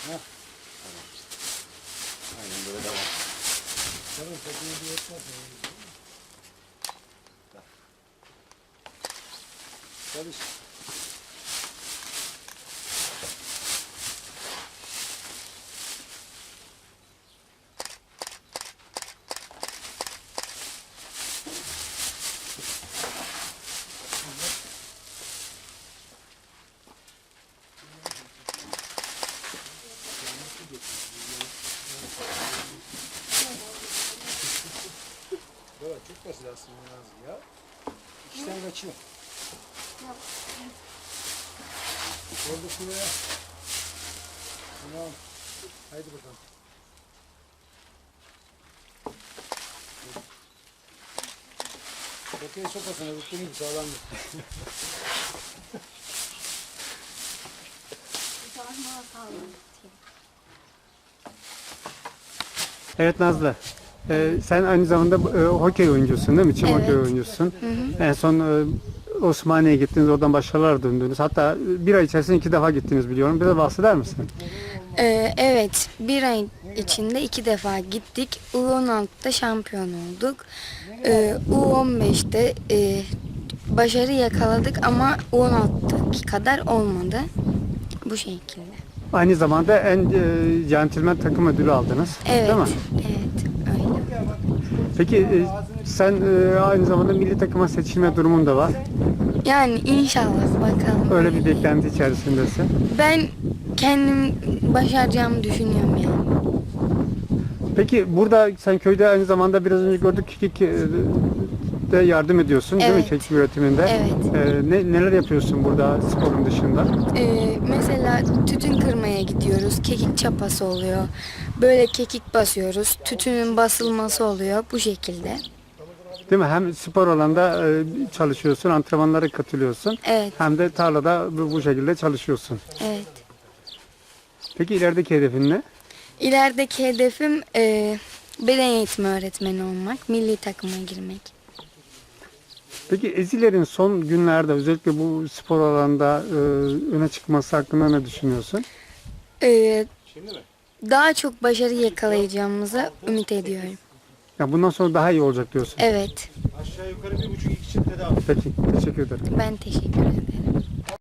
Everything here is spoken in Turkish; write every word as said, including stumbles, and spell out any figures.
Heh. Aynen böyle devam. Tamam, tekneyi bir yetmez. Çalış. Evet, çok basit aslında Nazlı ya. İşten kaçıyor. Orada şuraya. Tamam. Haydi bakalım. Bakayı sokasına tuttuğun gibi sağlamdır. Evet Nazlı. Ee, sen aynı zamanda e, hokey oyuncusun değil mi? Çim Evet. hokey oyuncusun. Hı hı. En son e, Osmaniye'ye gittiniz, oradan başarılar döndünüz. Hatta bir ay içerisinde iki defa gittiniz biliyorum. Bize bahseder misin? Ee, evet, bir ay içinde iki defa gittik. U on altıda şampiyon olduk. Ee, U on beşte e, başarı yakaladık ama U on altıdaki kadar olmadı. Bu şekilde. Aynı zamanda en e, centilmen takım ödülü aldınız. Evet, Değil mi? evet, öyle. Peki e, sen e, aynı zamanda milli takıma seçilme durumun da var. Yani inşallah bakalım. Öyle bir beklenti içerisindesin. Ben kendim başaracağımı düşünüyorum yani. Peki burada sen köyde aynı zamanda biraz önce gördük kekik e, de yardım ediyorsun değil mi Evet. kekik üretiminde? Evet. E, ne, neler yapıyorsun burada sporun dışında? Ee, mesela tütün kırmaya gidiyoruz. Kekik çapası oluyor. Böyle kekik basıyoruz. Tütünün basılması oluyor. Bu şekilde. Değil mi? Hem spor alanda e, çalışıyorsun, antrenmanlara katılıyorsun. Evet. Hem de tarlada bu, bu şekilde çalışıyorsun. Evet. Peki ilerideki hedefin ne? İlerideki hedefim e, beden eğitimi öğretmeni olmak. Milli takıma girmek. Peki Eziler'in son günlerde özellikle bu spor alanda e, öne çıkması hakkında ne düşünüyorsun? Ee, Şimdi mi? daha çok başarı yakalayacağımıza ümit ediyorum. Ya bundan sonra daha iyi olacak diyorsun. Evet. Aşağı yukarı bir buçuk iki çifte daha. Peki, teşekkür ederim. Ben teşekkür ederim.